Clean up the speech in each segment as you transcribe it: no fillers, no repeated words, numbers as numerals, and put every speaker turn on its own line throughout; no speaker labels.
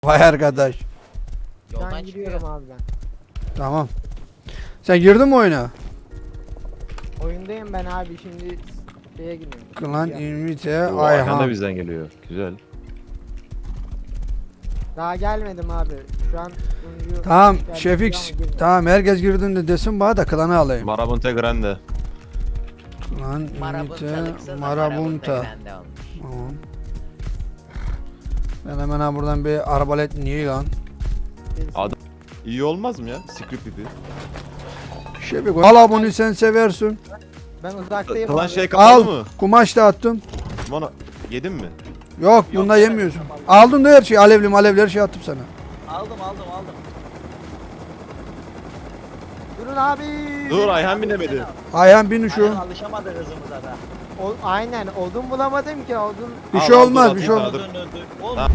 Vay arkadaş.
Yoldan
Ben
çıkıyor.
gidiyorum abi ben.
Tamam. Sen girdin mi oyuna?
Oyundayım ben abi şimdi şeye gidiyorum.
Klan
Ya.
invite
O Ayhan da
Ayhan.
bizden geliyor. Güzel.
Daha gelmedim abi. Şu an oyuncu
Tamam
geldi
Şefik.
ama girmiyor.
Tamam herkes girdiğinde desin bana da klanı alayım.
Marabunta Grande.
Klan
Marabunta
invite
kısa da
Marabunta.
grande olmuş.
Tamam. Ben hemen ha buradan bir arbalet niye lan?
Birisi-
Adam- İyi olmaz mı ya? Script gibi.
Şefik al bunu sen seversin.
Ben uzaktayım
Kalan
abi.
şey kapalı
Al
mı?
kumaş da attım.
Bana yedin mi?
Yok bunda yemiyorsun. Aldın da her şeyi alevli malevli her şeyi attım sana.
Aldım.
Durun abi.
Dur Ayhan binemedi.
Ayhan bin şu.
Aynen alışamadı hızımıza da.
Aynen odun bulamadım ki odun.
Bir
Al,
şey
al,
olmaz
dur,
bir şey
atayım
olmaz.
sana.
Dur. Oğlum.
Tamam.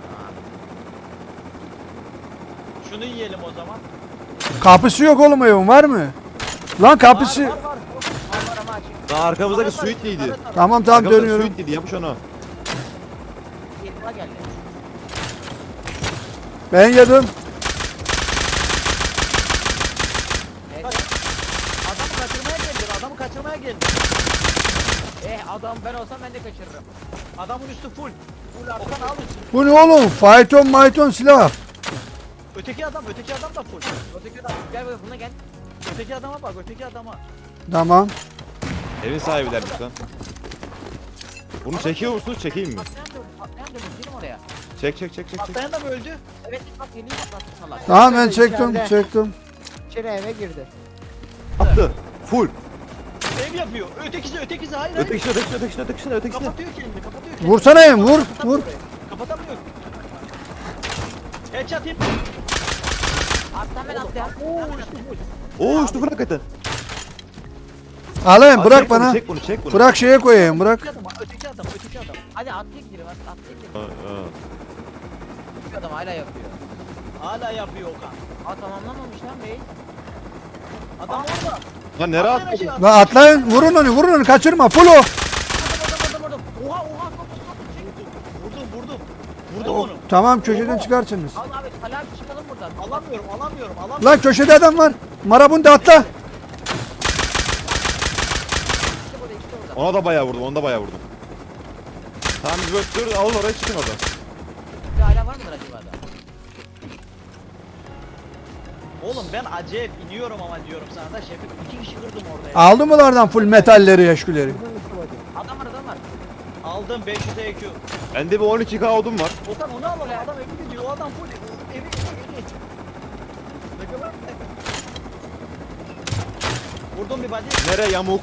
Şunu yiyelim o zaman.
Kapısı yok oğlum evin var mı? Lan kapısı.
Var.
Var ama açık.
Daha arkamızdaki Sweetly'ydi.
Tamam tamam
Arkamızdaki
dönüyorum.
Sweetly'di yapış onu.
Yerine geldi.
Ben yedim.
Evet.
Adamı kaçırmaya geldi.
Adam ben olsam ben de kaçırırım.
Adamın üstü full. Okan al üstü.
Bu ne oğlum? Fayton mayton silah.
Öteki adam da full.
Öteki adam gel buraya buna gel.
Öteki adama bak, öteki adama.
Tamam.
Evin sahibilermiş lan. Bunu çekiyor musunuz? Çekeyim mi?
Patlayan dönüş gelin oraya.
Çek.
Patlayan da mı öldü?
Evet bak yeni patlattı salak.
Tamam ben çektim
İçeride.
çektim.
İçeri eve girdi.
Attı. Full.
Ev yapıyor. Ötekisi hayır.
Ötekisine.
Kapatıyor kendini.
Vursana evim vur vur.
Kapatamıyor. Headshot hit.
Attan ben atlayan.
Oo üstü full hakikaten.
Alayım
Aa,
bırak
çek bunu,
bana.
Çek bunu.
Bırak şeye koyayım bırak.
Öteki adam.
Hadi atlayıp gidelim atlayıp gidelim.
Ha.
Şu adam hala yapıyor.
Hala yapıyor Okan.
Tamamlamamış lan bey.
Adam orada.
Lan nereye
Atlayın
attı?
aşağı.
Lan atlayın vurun onu kaçırma full o.
Adam. Oha. Vurdum onu.
Tamam köşeden çıkarsınız.
Al abi hala çıkalım buradan.
Alamıyorum.
Lan köşede adam var. Marabunda atla.
İşte burada.
Ona da bayağı vurdum. Tamam biz böyle dur alın oraya çıkın oradan.
Bir hala var mıdır acaba da?
Oğlum ben acayip iniyorum ama diyorum sana da Şefik 2 kişi kırdım orada ya.
Aldı mı lardan full metalleri yaşgüleri?
Adam var.
Aldım 500 EQ.
Bende bir 12k odun var.
Okan onu alalım adam evi gidiyor o adam full evi. Ne kadar? Vurdum bir body.
Nereye yamuk?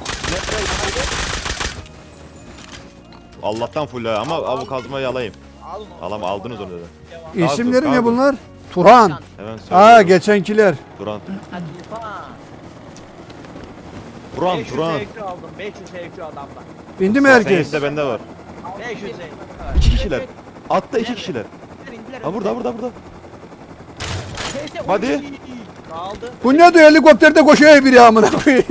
Allah'tan full ha ama bu kazmayı alayım.
Al onu.
Aldınız onu da.
Devam.
İsimleri ne
kaldı.
bunlar? Turan.
Hemen
Aa
söylüyorum.
geçenkiler.
Turan.
Hadi Tufan.
Turan.
500 EQ aldım 500 EQ adamdan.
İndi mi herkes?
Senin de bende var.
500 EQ.
2 kişiler. Atta 2 kişiler.
İndiler,
Ha burada.
Neyse,
Hadi.
oy.
Aldı.
Bu ne diyor helikopterde koşuyor biri amına koyayım.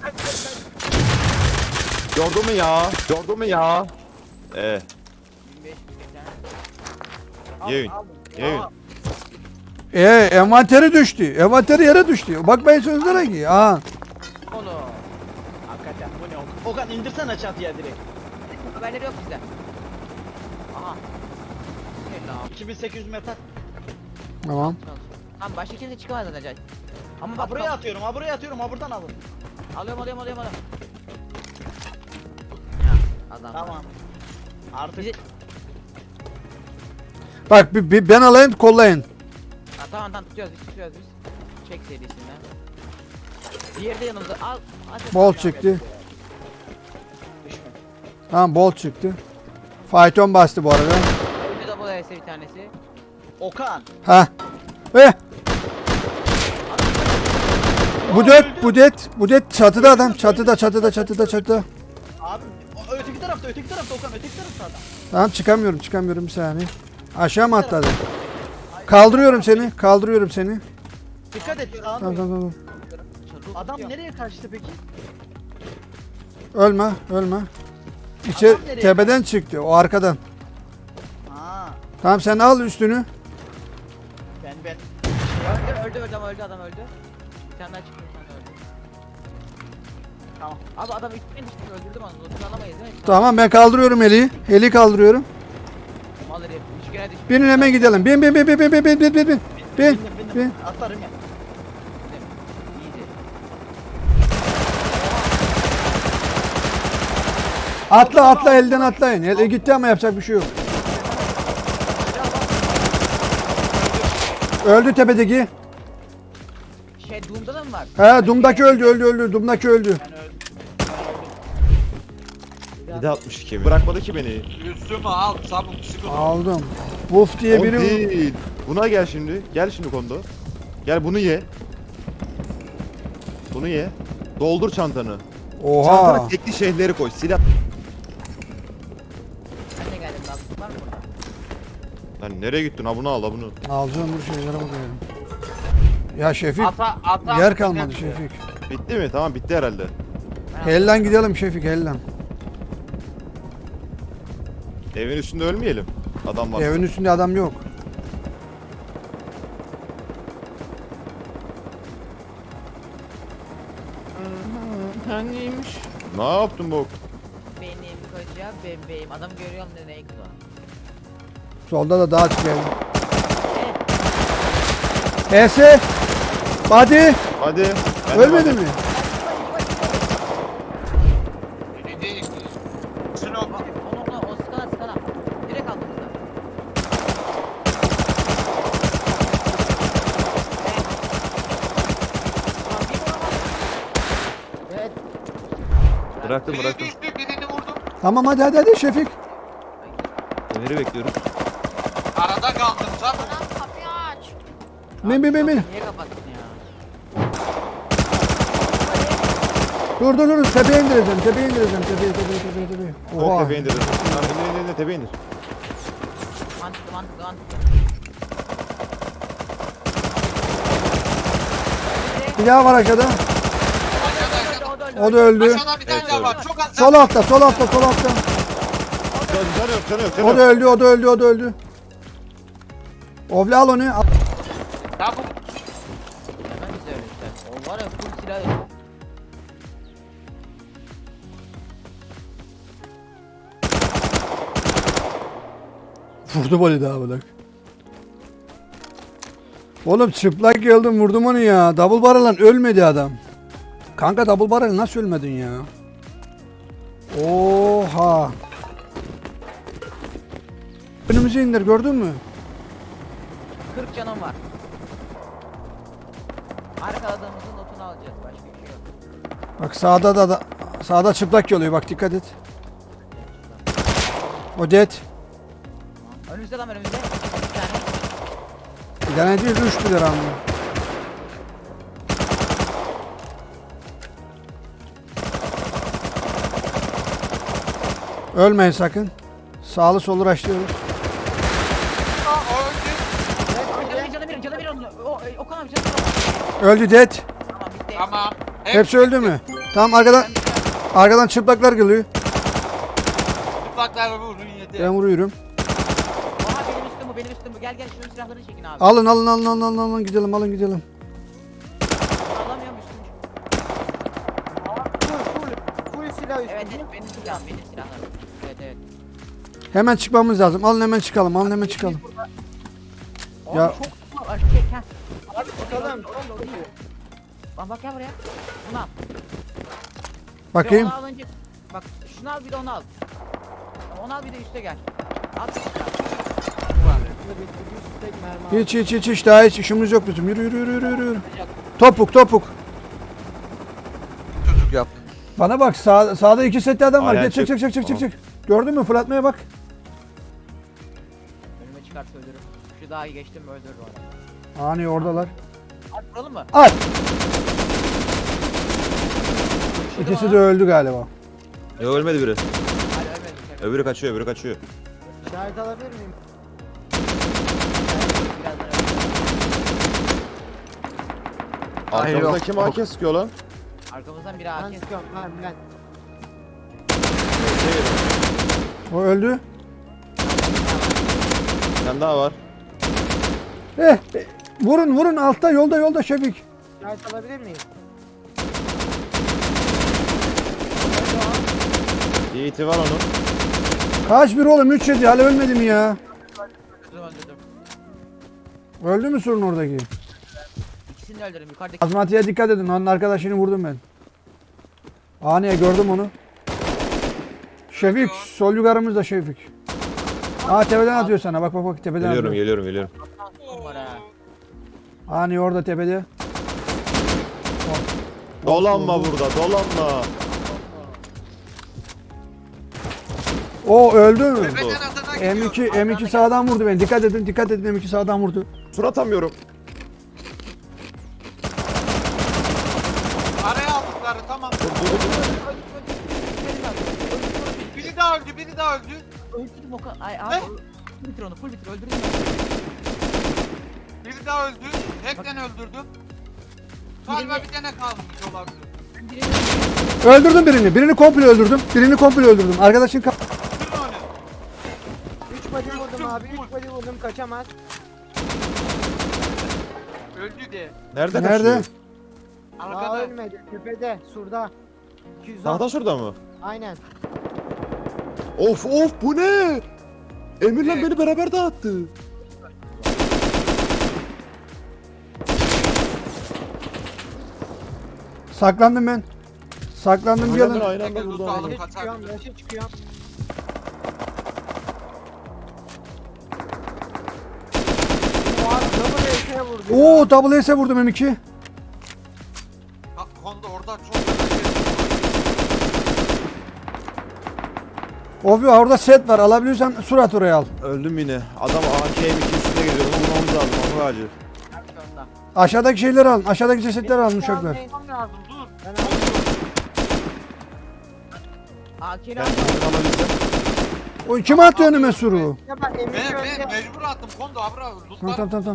Gördün mü ya?
25
Yiyin. Yiyin.
Envanteri düştü. Envanteri yere düştü. Bakmayın sözlere ki. Aa.
Oğlum.
Hakikaten bu ne Okan? Okan indirsene çatıya direkt.
Haberleri yok bizde. Aha. Helal.
2800 metal.
Tamam.
Tamam başka kimse çıkamaz zaten. Ama
Ha
bak
buraya atıyorum ha buradan alın.
Alıyorum. Ya adam.
Tamam. Artık
Bizi...
Bak ben alayım kollayın.
Ha, tamam tutuyoruz biz. Çek serisinden. Diğeri de yanımıza al. Hadi.
Bol çıktı.
düşme.
Tamam bol çıktı. Fayton bastı bu arada.
Öldü de bu da bir tanesi.
Okan.
Ha. Bu det çatıda adam. Çatıda.
Abi öteki tarafta Okan öteki tarafta adam.
Tamam çıkamıyorum bir saniye. Aşağı mı atladı? Kaldırıyorum seni.
Dikkat et.
Tamam.
Adam nereye kaçtı peki?
Ölme.
Adam
İçeri
nereye
tepeden çıktı o arkadan.
Ha.
Tamam sen al üstünü.
Ben.
Öldü ama öldü adam öldü. Bir tane daha çıktı bir tane öldü. Tamam. Abi adam üstüne düştü öldürdüm onu. Lootunu alamayız değil mi?
Tamam ben kaldırıyorum Heli'yi. Heli'yi kaldırıyorum.
Mal herif. Üç kere düştü.
Binin hemen gidelim. Bin. Bin.
Bindim. Atlarım ya.
İyiydi.
Atla elden atlayın. El gitti ama yapacak bir şey yok. Öldü tepedeki.
Şey Doom'da da mı var?
He Doom'daki öldü. Doom'daki öldü.
Ben öldüm.
762 bırakmadı ki beni.
Üstümü al çabuk sıkı.
Aldım. Wolf diye
O
biri.
değil. Buna gel şimdi. Gel şimdi kondo. Gel bunu ye. Bunu ye. Doldur çantanı.
Oha.
Çantana tekli şeyleri koy. Silah.
Ben de geldim lan. Var mı burada?
Lan nereye gittin? Ha bunu al, ha bunu.
Alacağım dur şeylere bakıyorum. Ya Şefik
Ata.
yer kalmadı Şefik.
Bitti mi? Tamam bitti herhalde.
Hellan gidelim Şefik hellan.
Evin üstünde ölmeyelim. Adam var.
Evin üstünde adam yok.
Ne yaptın bu?
Benim koca bebeğim. Adam görüyorum da ne kıza.
Solda da dağ çıkıyor. Ese. Hadi.
Hadi. Ben de
Ölmedi
varım.
mi?
Sinop.
Onu o skala. Direkt altımızda.
Evet.
Bıraktım.
Birini vurdum.
Tamam hadi Şefik.
Ömer'i bekliyorum.
Arada kaldım çabuk.
Kapıyı aç.
Bin.
Niye kapattın ya?
Dur. Tepeye indireceğim. Tepeye.
Oha.
Oha.
Tepeye indir. Lan indir tepeye indir.
Mantıklı.
Bir daha var aşağıda.
Aşağıda.
O da öldü.
Aşağıda bir tane daha var. Çok az.
Sol altta.
Canı yok.
O da öldü. Ovla al onu. Al.
Çabuk.
Ben bize öyle işte. O var ya full silah.
Vurdum onu daha bırak. Oğlum çıplak geldim vurdum onu ya. Double barrel'la ölmedi adam. Kanka double barrel nasıl ölmedin ya? Oha. Önümüze indir gördün mü?
40 canım var. Arkaladığımızın notunu alacağız. Başka bir şey yok.
Bak sağda çıplak geliyor bak dikkat et. O dead.
Önümüzde lan önümüzde. Bir tane.
Bir tane değil 3 lira ama. Ölmeyin sakın. Sağlı solu raşlıyoruz.
Canı bir onun. Okan abi canı bir.
Öldü dead.
Tamam bitti.
Tamam.
Hepsi öldü mü? Tamam arkadan çıplaklar geliyor.
Çıplaklar vurun yedi.
Ben vuruyorum.
Oha benim üstüm bu. Gel şunun silahlarını çekin abi.
Alın gidelim.
Alamıyorum üstümü.
Full silah üstü.
Evet benim silahlarım. Evet.
Hemen çıkmamız lazım. Alın hemen çıkalım.
Abi
Ya-
çok aşk çek ha.
Abi çıkalım.
Bak gel buraya. Bunu al.
Bakayım.
Onu al önce. Bak şunu al bir de onu al. Onu al bir de üste gel. At.
Hiç daha hiç işimiz yok bizim. Yürü. Topuk.
Çocuk yap.
Bana bak sağda 2 setli adam var.
Aynen,
Gel
çık.
çık. Gördün mü? Fırlatmaya bak.
Önüme çıkarsa öldürürüm. Şu dağı geçtim mi öldürürüm adamı.
Ani oradalar.
At vuralım mı?
At. İkisi de öldü galiba.
Yok ölmedi biri.
Hadi ölmedim.
Öbürü kaçıyor.
İşaret alabilir miyim?
Birazdan öleceğim.
Arkamızda kim AK sıkıyor lan?
Arkamızdan biri
Ben
AK.
sıkıyorum. Ben.
O öldü.
Bir tane daha var.
Vurun altta yolda Şefik.
İşaret alabilir miyim?
Yiğit'i var onun.
Kaç bir oğlum 3 yedi hala ölmedi mi ya?
Öldürdüm.
Öldü mü Surun oradaki?
İkisini de öldürdüm. Yukarıdaki.
Azmati'ye dikkat edin onun arkadaşını vurdum ben. Aniye gördüm onu. Şefik sol yukarımızda Şefik. Aa tepeden atıyor sana bak tepeden atıyor.
Geliyorum.
Var ha.
Ani orada tepede.
Dolanma burada, dolanma.
O öldü mü?
Tepeden atana gidiyor.
M2 sağdan vurdu beni. Dikkat edin M2 sağdan vurdu.
Sur atamıyorum.
Araya aldıkları tamam. Biri daha öldü.
Öldürdüm o kadar. Ay abi. Full bitir onu. Full bitir. Öldürdüm.
Biri daha öldü. Hepten öldürdüm. Galiba bir tane kalmış olabilir.
Öldürdüm birini. Birini komple öldürdüm. Arkadaşın
Kırın onu.
3 body vurdum abi. 3 body vurdum kaçamaz.
Öldü de.
Nerede
Nerede?
kaçıyor?
Daha
Arkada.
ölmedi. Tepede. Surda. 210.
Sağda şurada mı?
Aynen.
Of bu ne? Emir'le beni beraber dağıttı.
saklandım ben. Saklandım bir
Aynen
yana.
aynı anda
Tekrar
burada.
tutalım.
Yaşı çıkıyorum. Yaşı çıkıyorum. O abi double S'ye vurdu. ya.
Oo double S'e vurdum M2.
Ha, Kondo orada çok fena
Obi orada set var. Alabiliyorsan surat oraya al.
Öldüm yine. Adam AKM2 üstüne geliyor. Onu vurmamız lazım. Onu acil.
Sonunda.
Aşağıdaki şeyleri alın. Aşağıdaki cesetleri alın uçaklar.
Tamam lazım dur.
Ben aldım.
AK'ni
Ben
aldım.
bunu alabilsem.
O kim attı önüme suru?
Ya bak Emir
Ben
önde.
mecbur attım Kondo abra.
Tamam
Lootlar.
tamam.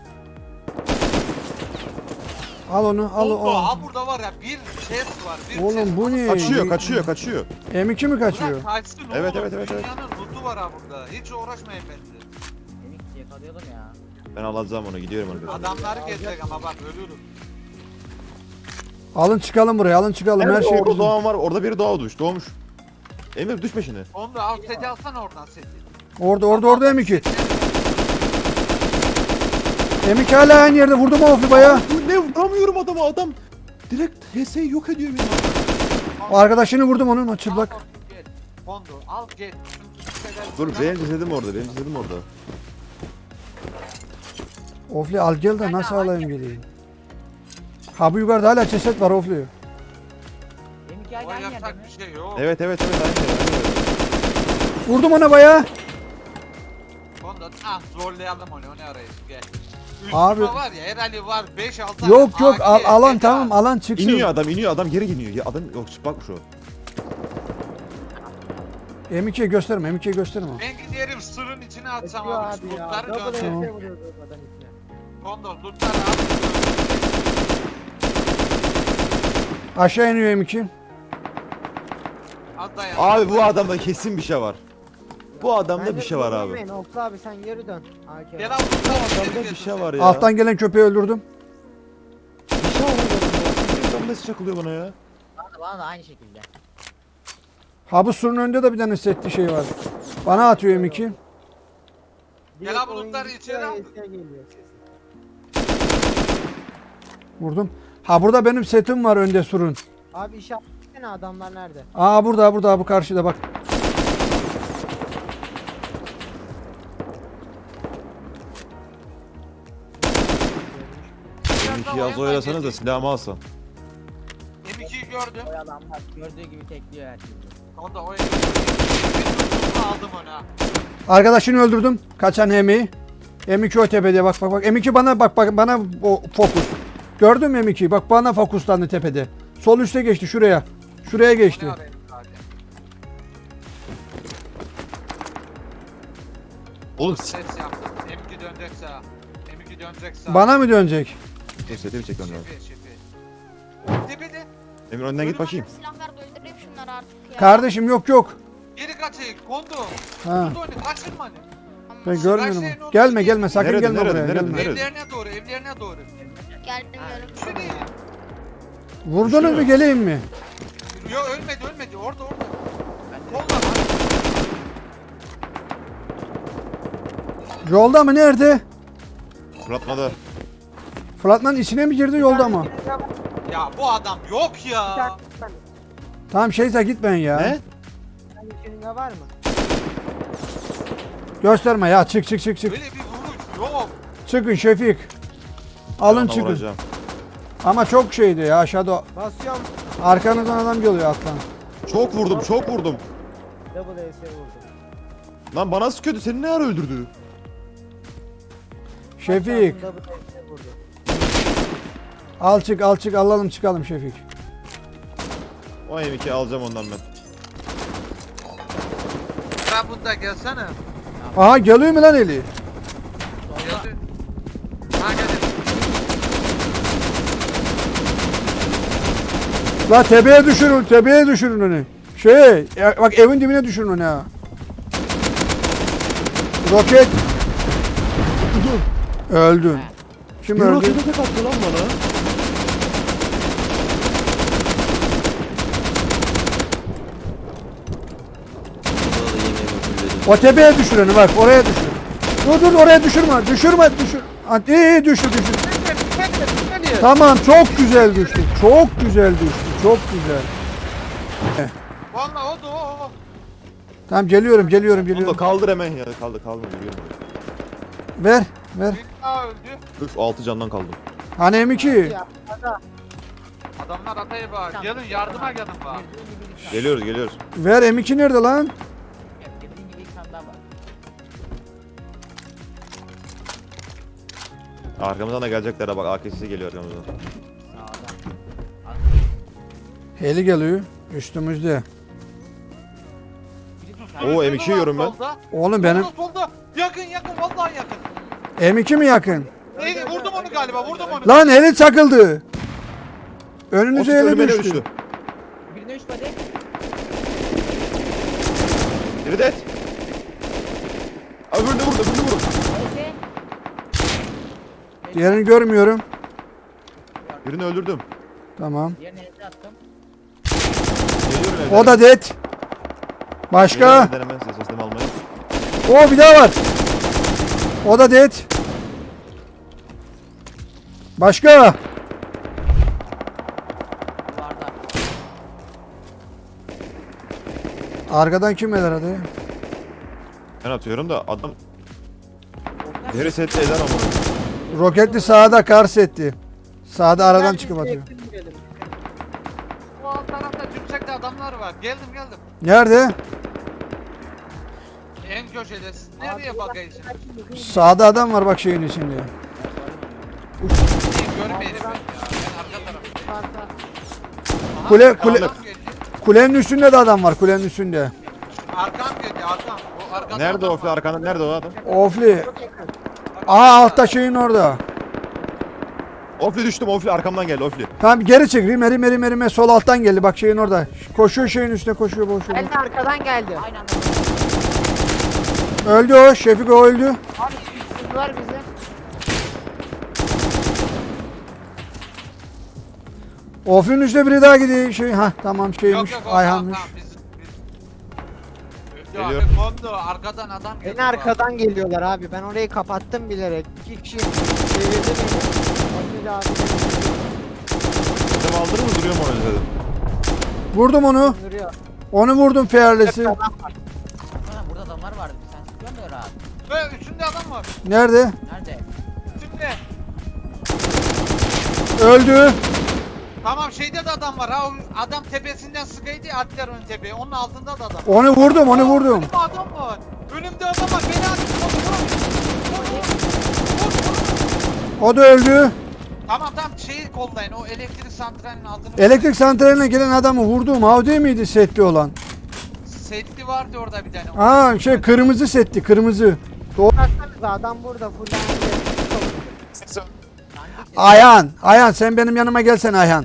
Al onu al
Kondo
o.
ha burada var ya bir chest var. Bir
Oğlum
chest.
bu ne?
Kaçıyor.
M2 mi kaçıyor?
Bırak kaçsın
Evet,
oğlum.
evet.
Dünyanın lootu var ha burada. Hiç uğraşmayın bence.
Demek ki yakalıyordum ya.
Ben alacağım onu. Gidiyorum arkadaşlar.
Adamları gelecek ama bak ölürüm.
Alın çıkalım buraya. Alın çıkalım. Her
Evet,
şey
orada
bizim.
doğan var. Orada biri doğmuş. Emir düş peşine.
Kondo al seti alsana oradan seti.
Orada M2. M2 hala aynı yerde. Vurdum o baya.
Bu ne vuramıyorum adama. Adam direkt HS'yi yok ediyor beni.
O arkadaşını vurdum onun o çıplak.
Al, gel. Kondo al gel.
Dur benim cesedim orada.
Ofli al gel de nasıl alayım geleyim. Ha bu yukarıda hala ceset var Ofli.
Benim hikaye
O
aynı yerde
yapacak
mi?
bir şey yok.
Evet aynı.
Vurdum ona baya.
Kondo zorlayalım onu arayız gel.
Abi-
Abi. Var ya herhalde var 5-6
Yok alan tamam alan çıksın.
İniyor adam geri iniyor. Adam yok çıplakmış o.
M2'ye gösterme
Ben giderim sırın içine atsam
Yapıyor
abi.
abi ya.
Lootları
Double
döndür.
S'ye vuruyor adam içine.
Kondo lootları al.
Aşağı iniyor M2.
Az dayan.
Abi bu adamda kesin bir şey var. Bu adamda bir şey var abi.
Vurmayın, Oklu abi sen geri dön. AK.
Gel al lootları.
Adamda bir şey var ya.
Alttan gelen köpeği öldürdüm.
Bir şey var adamda. Adam nasıl çakılıyor bana ya?
Bana da aynı şekilde.
Ha bu surun önünde de bir tane setli şey var. Bana atıyor M2.
Direkt
Gel abi,
oyun
lootları
gitti,
içeri al.
AS'e geliyor sesi.
Vurdum. Ha burada benim setim var önde surun.
Abi işaretlesene adamlar nerede?
Aa burada bu karşıda bak.
M2 yaz oyalasanız da silahımı alsam.
M2'yi gördüm.
O adam bak gördüğü gibi tekliyor her şeyi.
Kondo o M2'yi aldım ona.
Arkadaşını öldürdüm. Kaçan M2'yi. M2 o tepede bak. M2 bana bana o fokus. Gördün mü M2'yi? Bak bana fokuslandı tepede. Sol üste geçti şuraya. Şuraya geçti.
Ne arayayım hadi.
Oğlum
Ses yaptım. M2 dönecek sağa. M2 dönecek sağa.
Bana mı dönecek?
Dur seti bir çekmem lazım.
Şefi. Tepede.
Emir önden git bakayım.
Silah ver de öldüreyim şunları artık ya.
Kardeşim yok.
Geri kaçayım. Kondo.
Ha.
Kondo oyunu kaçırma hani.
Tamam.
Ben görmüyorum.
Karşıya
onu.
ne
Gelme
oldu?
gelme sakın
Nerede,
gelme
nerede,
buraya.
nerede,
Gelme.
nerede?
Evlerine doğru, evlerine doğru.
Gelmiyorum.
Şuraya.
Vurdunuz mu geleyim mi?
Yok ölmedi. Orada. Kolla.
Yolda mı nerede?
Fırlatmada.
Fırat'ın içine mi girdi yolda mı?
Ya bu adam yok
Bir
ya.
dakika.
Tamam şeyse gitmeyin ya.
Ne?
Senin var mı?
Gösterme ya çık.
Böyle bir vuruş yok.
Çıkın Şefik. Alın
Sana
çıkın.
vuracağım.
Ama çok şeydi ya aşağıda.
Basıyorum.
Arkanızdan adam geliyor alttan.
Çok vurdum.
Double S'e vurdum.
Lan bana sıkıyordu. Seni ne ara öldürdü?
Şefik.
Double S'e vurdum.
Al çık alalım çıkalım Şefik.
O M2 alacağım ondan ben.
Sen bunda gelsene.
Aha geliyor mu lan Eli?
Geldi. Ha geldi.
La tepeye düşürün onu. Bak evin dibine düşürün onu ha. Roket. Öldün. Kim
Bir
öldü?
rokete tek attı lan bana.
O tepeye düşür onu bak oraya düşür. Dur oraya düşürme. İyi düşür. Tamam çok güzel düştü. Çok güzel.
Vallahi o.
Tamam geliyorum.
Onu da kaldır hemen ya. Kaldır. Yürüyorum.
Ver.
Bir daha öldü.
Üf 6 candan kaldım.
Hani M2.
Ya, ada.
Adamlar ataya bağır. Gelin yardıma gelin bağır.
Geliyoruz.
Ver M2 nerede lan?
Dediğin gibi ilk tane daha var.
Arkamızdan da gelecekler ha bak AK'si geliyor arkamızdan.
Sağdan.
Heli geliyor. Üstümüzde.
Oo M2 yiyorum ben.
Solda.
Oğlum benim
Solda. Yakın vallahi yakın.
M2 mi yakın?
Neydi vurdum onu galiba vurdum onu.
Lan heli çakıldı.
O
Önünüze
sıkı
heli
önüme
düştü.
düştü.
Birine 3 body.
Biri de et. Öbürünü vurdu.
Neyse.
Diğerini görmüyorum.
Birini öldürdüm.
Tamam.
Diğerini elde attım.
Geliyorum evden.
O da dead. Başka?
Geliyorum evden hemen sesimi almaya.
O bir daha var. O da dead. Başka?
Vardı.
Arkadan kim eder hadi?
Ben atıyorum da adam deri sette eder ama.
Roketli sağda kar setti. Sağda aradan çıkıp atıyor.
Bu alt tarafta tümsekte adamlar var. Geldim.
Nerede?
En köşede. Siz nereye bakıyorsunuz?
Sağda adam var bak şeyin içinde.
Görmeyelim ben ya. Ben arka taraftayım. Aha,
Kule-
arkam
kule-
geldi.
Kulenin üstünde de adam var kulenin üstünde.
Arkam geldi arkam. O arkada
Nerede
adam
o
var.
arkanda? Nerede o adam?
Ofli. Aa altta şeyin orada.
Ofli düştüm. Ofli arkamdan geldi Ofli.
Tamam geri çık. Rime sol alttan geldi. Bak şeyin orada. Koşuyor şeyin üstüne koşuyor.
Ben de arkadan geldi.
Aynı anda.
Öldü o. Şefik o öldü.
Abi sıktılar bizi.
Ofli'nin üstüne biri daha gidiyor. Tamam şeymiş.
Yok,
Ayhan'mış.
tamam, biz.
Geliyor.
Geliyor. Kondu arkadan adam geliyor.
Beni arkadan geliyorlar abi. Ben orayı kapattım bilerek. 2 kişi çevirdi beni. Emir abi
Adam aldırır mı duruyor mu öyle dedim.
Vurdum onu.
duruyor.
Onu vurdum fearless'i.
Ulan burada adamlar vardı. Sen sıkıyorsun da rahat.
Ve üstünde adam var.
Nerede?
Nerede?
Üstünde.
Öldü.
Tamam şeyde de adam var. Ha o adam tepesinden sıkıydı atlar ön tepeye. Onun altında da adam.
Onu vurdum.
Önümde adam var. Önümde adam var. Beni at. Vur.
O da öldü.
Tamam şeyi kollayın. O elektrik santralinin altını.
Elektrik santraline gelen adamı vurdum. Ha o değil miydi setli olan?
Setli vardı orada bir tane.
Aa kırmızı setti. Kırmızı.
Baksanıza adam burada fullendi.
Ayhan sen benim yanıma gelsene Ayhan.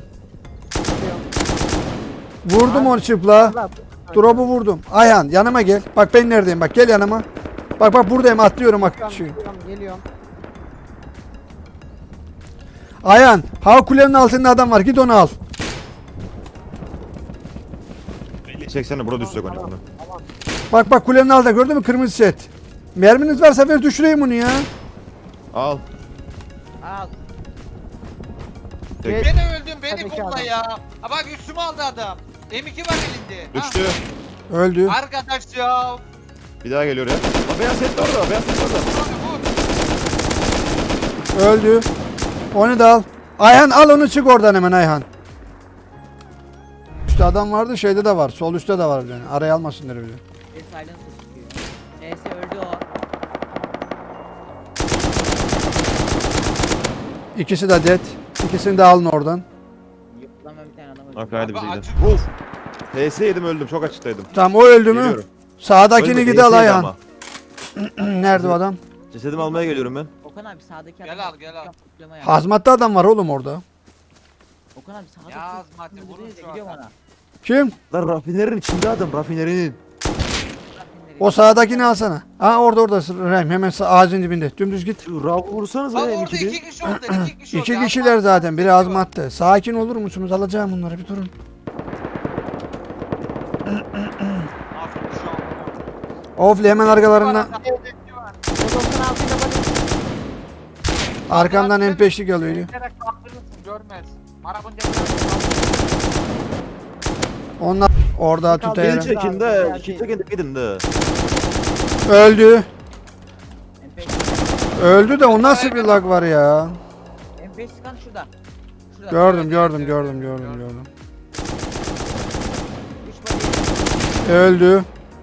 Vurdum onu çıpla. Drop'u vurdum. Ayhan yanıma gel. Bak ben neredeyim bak gel yanıma. Bak bak buradayım atlıyorum bak.
Geliyorum.
Ayhan, hava kulenin altında adam var. Git onu al.
80'e burada düşecek onu.
Bak bak kulenin altında gördün mü kırmızı set. Merminiz varsa ver düşüreyim bunu ya.
Al.
Al.
Tek.
Beni öldün beni
Tabii ki
bulma
adam.
ya. Ha bak üstüme aldı adam. M2 var elinde. Ha,
Düştü.
Öldü.
arkadaş ya.
Bir daha geliyor ya. Aa, beyaz set orada. Beyaz set orada.
Bu.
Öldü. Onu da al. Ayhan al onu çık oradan hemen Ayhan. Üstte adam vardı şeyde de var. Sol üstte de var bir tane. Araya almasınlar bile.
Bir silence çıkıyor. Neyse öldü o.
İkisi de dead. İkisini de alın oradan.
Yok lan ben bir tane adam öldü.
Bak hadi bize
Abi,
gidelim. Uf. PS yedim öldüm. Çok açıktaydım.
Tamam o öldü mü?
Geliyorum.
Sağdakini
Ölmedi,
gidi al
PS yedi
Ayhan.
ama.
Nerede o adam?
Cesedimi almaya geliyorum ben.
Okan abi sağdaki
Gel
adam.
al, gel al.
Kutlama yap.
Hazmatlı adam var oğlum orada.
Okan abi sağdaki.
Ya Hazmat'ı
kutlama
vurun
dedi,
şu
gidiyor
adam.
bana.
Kim?
Lan rafinerinin içinde adam. Rafinerinin.
O sağdakini alsana. Ha orada Rahim hemen ağacın dibinde. Dümdüz git.
Şu Rav vursanız
Bak
ya
orada
M2'de.
2 kişi orada 2 kişi orada.
İki kişiler zaten. Biri azmattı. Sakin olur musunuz? Alacağım bunları bir durun.
Aferin şu an.
Ofli hemen arkalarından.
Odosunu altıyla bak.
Arkamdan M5'lik geliyor.
Direkt kaldırırsın görmez. Arabın
Onlar orada
Kaldı.
tutayım.
Geri çekin de. İki çekin de gidin de.
Öldü.
MP5
Öldü de o nasıl bir lag var ya?
MP5 sıkan şurada. Şurada.
Gördüm.
Üç body.
Öldü.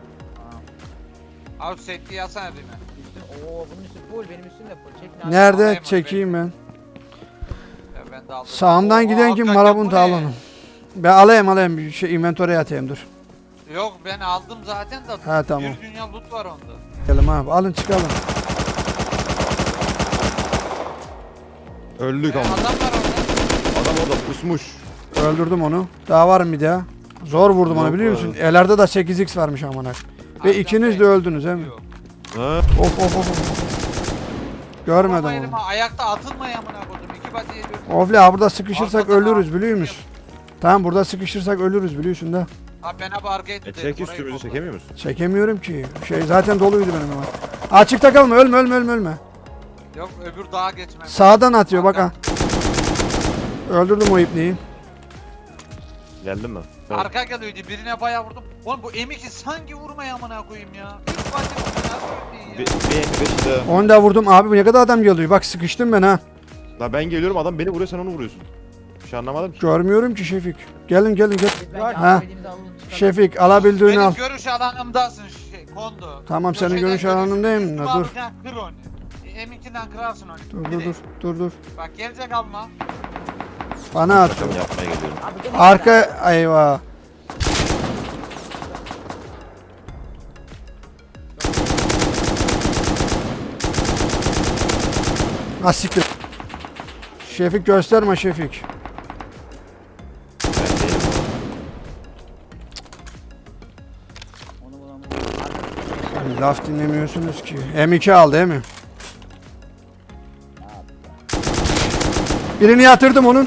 Abi setli yazsana birine.
Üstün. Oo bunun üstü full benim üstüm de full. Çekin abi.
Nerede?
alayım onu
Çekeyim ben.
Ya ben de aldım.
Sağımdan
Oo,
giden kim?
abi,
Marabunta
bu
al
ne?
onu. Ben alayım bir şey inventory'e atayım dur.
Yok ben aldım zaten de.
Ha, tamam.
Bir dünya loot var onda.
Gelin abi alın çıkalım.
Öldük ama.
Adam var orada.
Adam orada pusmuş.
Öldürdüm onu. Daha var mı bir daha? Zor vurdum onu
Yok
biliyor
abi.
musun? Ellerde de 8x varmış amına. Ve
Abi,
ikiniz de
sen-
öldünüz değil mi?
Yok.
Ha?
Of. Görmedim
Ama
onu.
elime ayakta atılmaya amına koydum. 2 body yedi.
Ofli abi burada sıkışırsak
Arkada
ölürüz
abi.
biliyor musun? Tamam burada sıkışırsak ölürüz biliyorsun da.
Abi ben abi arkaya
E
dedim.
çek
orayı
üstümüzü
buldum.
çekemiyor musun?
Çekemiyorum ki. Şey zaten doluydu benim ama. Açıkta kalma ölme.
Yok öbür dağa geçmem.
Sağdan atıyor bak ha. Öldürdüm o ipneyi.
Geldin mi? Tamam.
Arka geliyordu birine bayağı vurdum. Oğlum bu M2 sanki vurmaya amına koyayım ya. 3 body vurdu nasıl öldü
Bir
ya.
M5 de.
Onu da vurdum abi bu ne kadar adam geliyor. Bak sıkıştım ben ha.
La ben geliyorum adam beni vuruyor sen onu vuruyorsun. Bir şey anlamadım ki.
Görmüyorum ki Şefik. Gelin gel.
Bence
Ha.
alabildiğimizi alalım, çıkalım.
Şefik alabildiğini al.
Benim görüş alanımdasın şey kondu.
Tamam, senin
Köşeden
görüş alanındayım da,
üstüme
dur.
alırken kır onu. M2'den kırarsın onu.
Dur.
Bak gelecek alma.
Bana at.
Şaka yapmaya geliyorum.
Abi gel
Arka eyvah. Asiktir. Şefik gösterme Şefik.
Ben değilim.
Onu bulalım.
Laf dinlemiyorsunuz ki. M2 al değil mi? Birini yatırdım onun.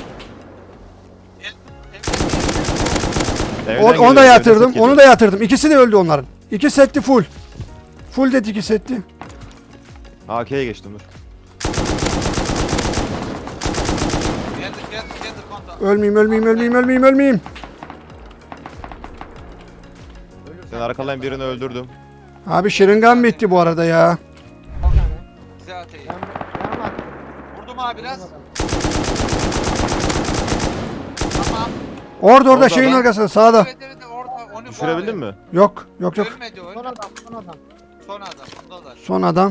Evden
Onu
geliyor,
da
evden
yatırdım.
set
Onu
geliyor.
da yatırdım. İkisi de öldü onların. İki setti full. Full dedi iki setti.
AK'ye geçtim dur.
Geldi kondu.
Ölmeyeyim.
Sen arkadan birini öldürdüm.
Abi şırıngan bitti bu arada ya.
Bize ateyi.
Ben attım.
Vurdum abi biraz. Tamam.
Orada
Orada
şeyin
lan.
arkasında sağda.
Evet orada onu
Düşürebildin mi?
Yok.
Ölmedi
Son
ölmedi.
adam.
Son adam. Bunda da.
Son adam.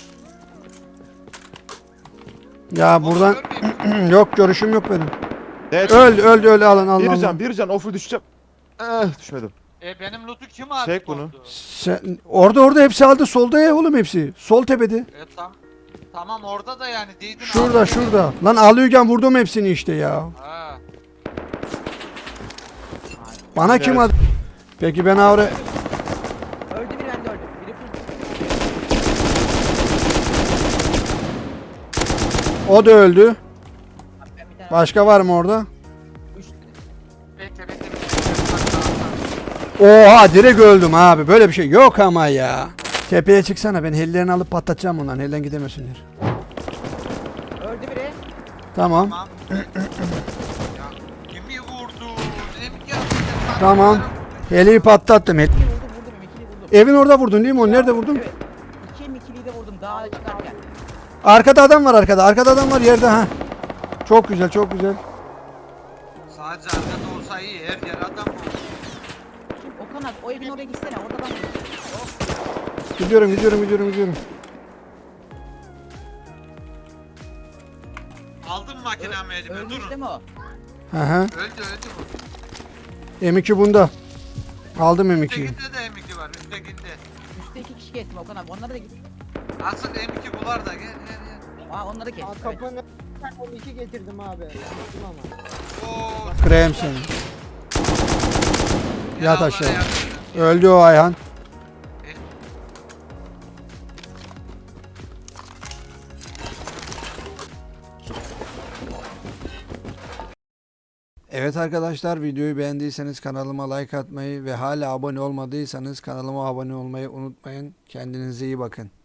Ya buradan
Görmeyeyim.
yok görüşüm yok benim.
Evet.
Öldü alın.
Bir can oflu düşeceğim. Düşmedim.
Benim loot'u kim aldı?
Çek bunu.
kondu?
Sen, orada hepsi aldı. Solda ya oğlum hepsi. Sol tepede.
Tamam orada da yani değdin.
Şurada. Lan alıyorken vurdum hepsini işte ya.
Ha.
Bana kim
Evet.
adı? Peki ben avre...
Öldü biri bende öldü. Biri full.
O da öldü.
Abi ben bir tane
Başka var mı orada?
üç
Bekle bekle.
Oha direkt öldüm abi. Böyle bir şey yok ama ya. Tepeye çıksana, ben hellerini alıp patlatacağım onların. Elden gidemesinler.
öldü biri.
Tamam.
Tamam. Ya kimi vurdu? Emik ya.
Tamam. Heliyi patlattım.
İkili vurdum ikili vurdum.
Evin orada vurdun değil mi? Onu nerede vurdun?
Evet. İkiliyi de vurdum daha çıkarken.
Arkada adam var arkada. Arkada adam var yerde ha. Çok güzel çok güzel.
Sadece arkada olsa iyi. Her yer adam oldu.
Okan abi o evin oraya gitsene orada adam var.
Gidiyorum.
Aldım makinamı elime.
Ölmüş
Durun.
değil mi o?
Hı hı.
Öldü bu.
M2 bunda. Aldım M2'yi.
Üsttekinde de M2 var. Üsttekinde.
Üstte 2 kişi kestim Okan abi onlara da git.
Asıl M2 bular da gel.
Aa onları kes.
Aa,
Evet.
kapının önünden 12 getirdim abi. Gittim ama.
Oo.
Krem seni.
gel
Yat
Allah'a
aşağı.
yardım edin.
Öldü o Ayhan. Evet arkadaşlar, videoyu beğendiyseniz kanalıma like atmayı ve hala abone olmadıysanız kanalıma abone olmayı unutmayın. Kendinize iyi bakın.